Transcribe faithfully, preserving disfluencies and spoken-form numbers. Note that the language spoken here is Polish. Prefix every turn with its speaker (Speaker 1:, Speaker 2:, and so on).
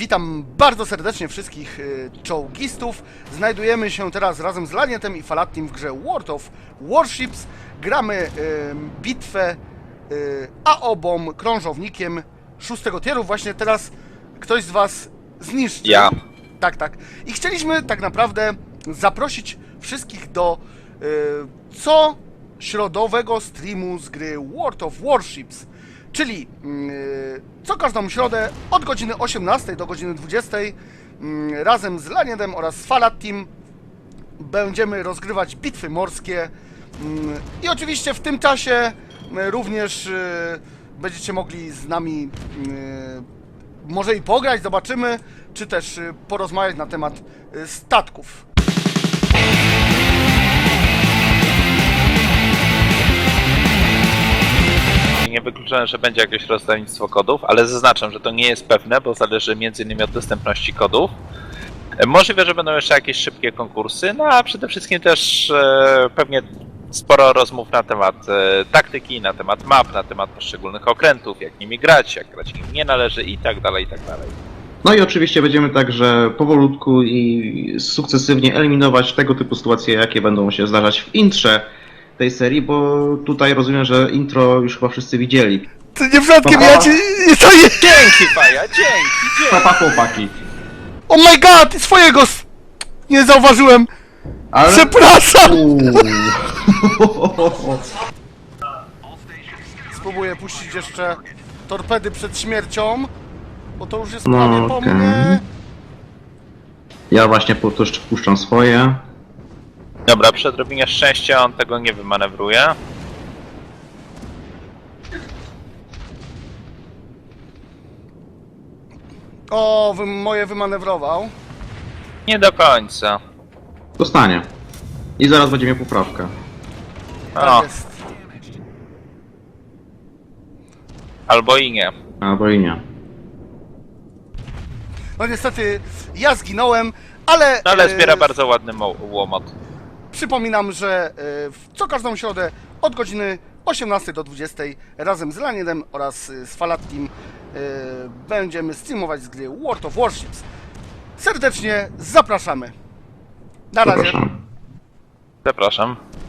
Speaker 1: Witam bardzo serdecznie wszystkich y, czołgistów. Znajdujemy się teraz razem z Lanietem i Falattim w grze World of Warships. Gramy y, bitwę y, A O B-om, krążownikiem szóstego tieru. Właśnie teraz ktoś z was zniszczył.
Speaker 2: Ja.
Speaker 1: Tak, tak. I chcieliśmy tak naprawdę zaprosić wszystkich do y, co środowego streamu z gry World of Warships. Czyli yy, co każdą środę od godziny osiemnastej do godziny dwudziestej yy, razem z Lanietem oraz z Falattim będziemy rozgrywać bitwy morskie yy, i oczywiście w tym czasie yy, również yy, będziecie mogli z nami yy, może i pograć, zobaczymy, czy też yy, porozmawiać na temat yy, statków.
Speaker 2: Nie wykluczone, że będzie jakieś rozdawnictwo kodów, ale zaznaczam, że to nie jest pewne, bo zależy między innymi od dostępności kodów. Możliwe, że będą jeszcze jakieś szybkie konkursy, no a przede wszystkim też e, pewnie sporo rozmów na temat e, taktyki, na temat map, na temat poszczególnych okrętów, jak nimi grać, jak grać nim nie należy i tak dalej, i tak dalej.
Speaker 3: No i oczywiście będziemy także powolutku i sukcesywnie eliminować tego typu sytuacje, jakie będą się zdarzać w intrze tej serii, bo tutaj rozumiem, że intro już chyba wszyscy widzieli.
Speaker 1: To nie przypadkiem
Speaker 3: Aha.
Speaker 1: ja ci... To nie...
Speaker 2: Dzięki, Faja, dzięki,
Speaker 3: Papa
Speaker 2: dzięki!
Speaker 3: chłopaki.
Speaker 1: Oh my god! Swojego... s- Nie zauważyłem!
Speaker 3: Ale...
Speaker 1: Przepraszam!
Speaker 3: Uuu.
Speaker 1: Spróbuję puścić jeszcze torpedy przed śmiercią, bo to już jest
Speaker 3: No,
Speaker 1: prawie po
Speaker 3: okej.
Speaker 1: mnie.
Speaker 3: Ja właśnie po to jeszcze puszczam swoje.
Speaker 2: Dobra, przy odrobinie szczęścia on tego nie wymanewruje.
Speaker 1: O, wy, moje wymanewrował.
Speaker 2: Nie do końca.
Speaker 3: Dostanie. I zaraz będzie miał poprawkę.
Speaker 1: Tak
Speaker 2: O,
Speaker 1: jest.
Speaker 2: albo i nie.
Speaker 3: Albo i nie.
Speaker 1: No niestety ja zginąłem, ale...
Speaker 2: No ale
Speaker 1: e,
Speaker 2: zbiera bardzo ładny mo- łomot.
Speaker 1: Przypominam, że e, w co każdą środę od godziny osiemnastej do dwudziestej razem z Lanietem oraz e, z Falattim e, będziemy streamować z gry World of Warships. Serdecznie zapraszamy. Na razie.
Speaker 3: Zapraszam.
Speaker 2: Zapraszam.